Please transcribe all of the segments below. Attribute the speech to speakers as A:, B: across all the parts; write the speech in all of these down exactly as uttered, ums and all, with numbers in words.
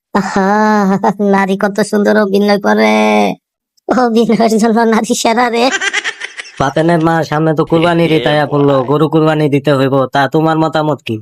A: আহা, নারী কত সুন্দর অভিনয় করে। অভিনয়ের জন্য নারী সেরা রে।
B: বাতেনের মা সামনে তো কুরবানি দিতে আয়া পড়লো, গরু কুরবানি দিতে হইব, তা তোমার মতামত কি?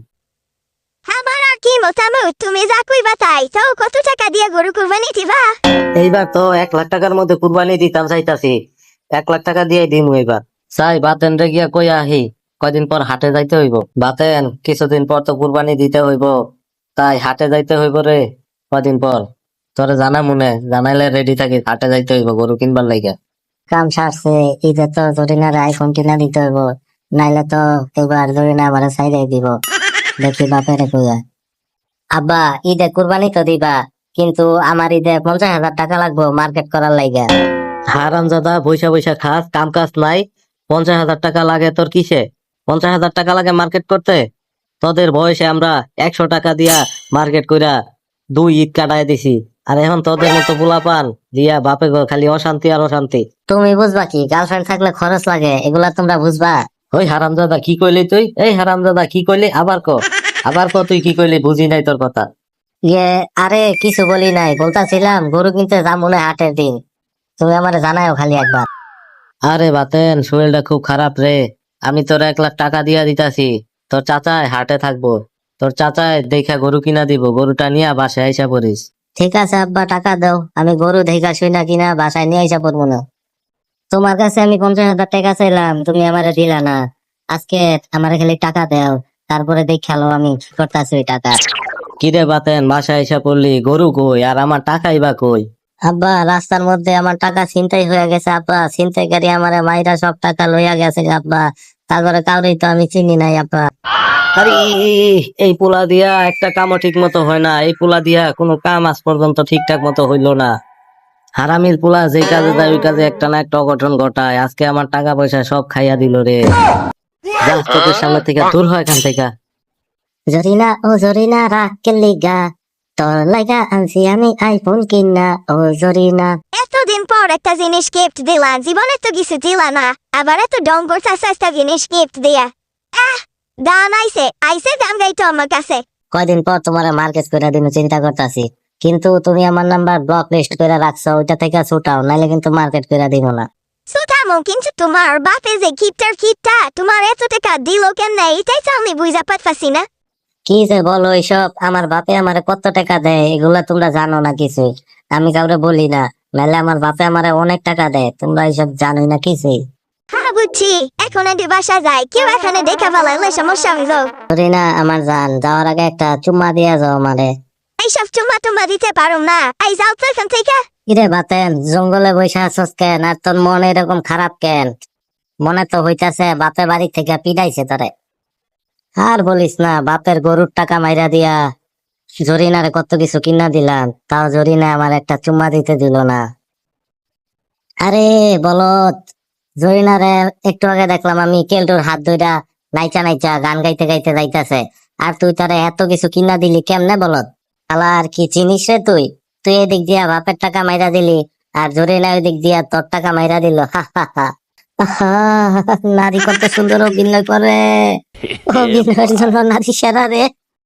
C: আমার আর কি মতামত, তুমি যা কইবা তাই। তাও কত টাকা দিয়ে গরু কুরবানি দিবা?
B: এইবার তো এক লাখ টাকার মধ্যে কুরবানি দিতাম চাইতাছি, এক লাখ টাকা দিয়ে দিমু এবার। চাই বাতেন রে গিয়া কই আহি, কয়দিন পর হাটে যাইতে হইব। বাতেন কিছুদিন পর তো কুরবানি দিতে হইব, তাই হাটে যাইতে হইব রে কয়দিন পর। তোরে জানা মনে জানাইলে রেডি থাকি, হাটে যাইতে হইব গরু কিনবার লাইগা।
A: কাম সারছে, ঈদে তো জরিনার আইফোন কিনা দিতে হইব, নাইলে তো এবার জরিনা আবার সাইডাই দিব। দেখি বাপেরে কইয়া, আব্বা ঈদে কুরবানি তো দিবা, কিন্তু আমার ঈদে পঞ্চাশ হাজার টাকা লাগবো মার্কেট করার লাইগা।
B: হারামজাদা বৈশা বৈশা খাস, কাম কাজ নাই, পঞ্চাশ হাজার টাকা লাগে তোর কিসে? পঞ্চাশ হাজার টাকা লাগে মার্কেট করতে? তোদের বয়সে আমরা একশো টাকা দিয়া মার্কেট কইরা দুই ঈদ কাটায় দিছি, আর এখন তোদের মতো পোলাপান দিয়া বাপে গো খালি অশান্তি আর অশান্তি।
A: তুমি বুঝবা কি, গার্লফ্রেন্ড থাকলে খরচ লাগে, এগুলা তোমরা বুঝবা?
B: ওই হারামজাদা কি কইলি তুই? এই হারামজাদা কি কইলি? আবার ক, আবার ক, তুই কি কইলি? বুঝি নাই তোর কথা।
A: ইয়ে, আরে কিছু বলি নাই, বলতাছিলাম গরু কিনতে যাম মনে হয় হাটের দিন, তুমি আমারে জানাও খালি একবার।
B: আরে বাতেন শরীরটা খুব খারাপ রে, আমি তোর এক লাখ টাকা দিয়া দিতাছি, তোর চাচায় হাটে থাকবো, তোর চাচায় দেখা গরু কিনা দিব, গরুটা নিয়ে বাসায় আইসা পড়িস।
A: ঠিক আছে আব্বা, টাকা দাও, আমি গরু দেখা শুই না কিনা বাসায় নিয়ে আইসা পড়বো না। তোমার কাছে আমি পঞ্চাশ হাজার টাকা চাইলাম, তুমি আমারে দিলা না। আজকে আমারে খালি টাকা দাও, তারপরে দেখালো আমি কি করতেছি ওই টাকা।
B: কিরে বাতেন বাসায় আইসা পড়লি, গরু কই আর আমার টাকাই বা কই?
A: আব্বা রাস্তার মধ্যে আমার টাকা ছিনতাই হয়ে গেছে আব্বা, ছিনতাইকারী আমারে মাইরা সব টাকা লইয়া গেছে আব্বা, তারপরে কাউরেই তো আমি চিনি নাই আব্বা।
B: আরে এই পোলা দিয়া একটা কামও ঠিক মতো হয় না, এই পোলা দিয়া কোনো কাম আজ পর্যন্ত ঠিকঠাক মতো হইলো না। হারামির পোলা যে কাজে যায় ওই কাজে একটা না একটা অঘটন ঘটায়, আজকে আমার টাকা পয়সা সব খাইয়া দিল রে। যা চোখের সামনে থেকে দূর হয় এখান থেকে।
A: জরিনা ও জরিনা রাখ লিগা, তোর লাগা আনছি আমি আইফোন কিনা ও জরিনা।
C: এতদিন পর একটা জিনিস গিফট দিলা, জীবনে তো কিছু দিলা না, আবার এত ডং করতেছ একটা জিনিস গিফট দিয়া। আহ, দাম আইছে আইছে দাম গাইতো আমার কাছে।
A: কয়দিন পর তোমার মার্কেট করে দিন চিন্তা করতেছি, কিন্তু তুমি আমার নাম্বার ব্লক লিস্ট করে রাখছো, ওইটা থেকে ছুটাও, নাইলে কিন্তু মার্কেট করে দিব না।
C: সুতামো, কিন্তু তোমার বাপে যে গিফটার কিটটা তোমার এত টাকা দিল কেন, এটাই তো আমি বুঝা পাচ্ছি না।
A: কি যে বলো এইসব, আমার বাপে আমারে কত টাকা দেয় এগুলা তোমরা জানো না কিছুই, আমি কাউরে বলি না, নাহলে আমার বাপে আমারে অনেক টাকা দেয়, তোমরা এইসব জানোই না কিছুই।
C: হ্যাঁ বুঝছি, এখন এটি বাসা যায়, কেউ এখানে দেখা ফেলাইলে সমস্যা হইল।
A: জরিনা আমার জান, যাওয়ার আগে একটা চুম্মা দিয়া যাও আমারে।
C: এইসব চুমা টুমা দিতে পারো না, এই যাও তো এখান থেকে।
A: কিরে বাতেন, জঙ্গলে বসে আছস কেন, আর তোর মন এরকম খারাপ কেন? মনে তো হইতাছে বাপের বাড়ি থেকে পিটাইছে তোরে। আর বলিস না, বাপের গরুর টাকা মাইরা দিয়া জরিনারে কত কিছু কিনা দিলাম, তাও জরিনা আমার একটা চুম্মা দিতে দিল না। আরে বলত, জরিনারে একটু আগে দেখলাম আমি কেলটুর হাত ধইরা নাইচা নাইচা গান গাইতে গাইতে যাইতাছে, আর তুই তারে এত কিছু কিনা দিলি কেমনে বলত? শালা আর কি চিনিস রে তুই? তুই এদিক দিয়া বাপের টাকা মাইরা দিলি, আর জরিনা ওই দিক দিয়া তোর টাকা মাইরা দিল। হা হা হা। আহা, নারী কত সুন্দর অভিনয় করে, অভিনয়ের জন্য নারী সেরা রে।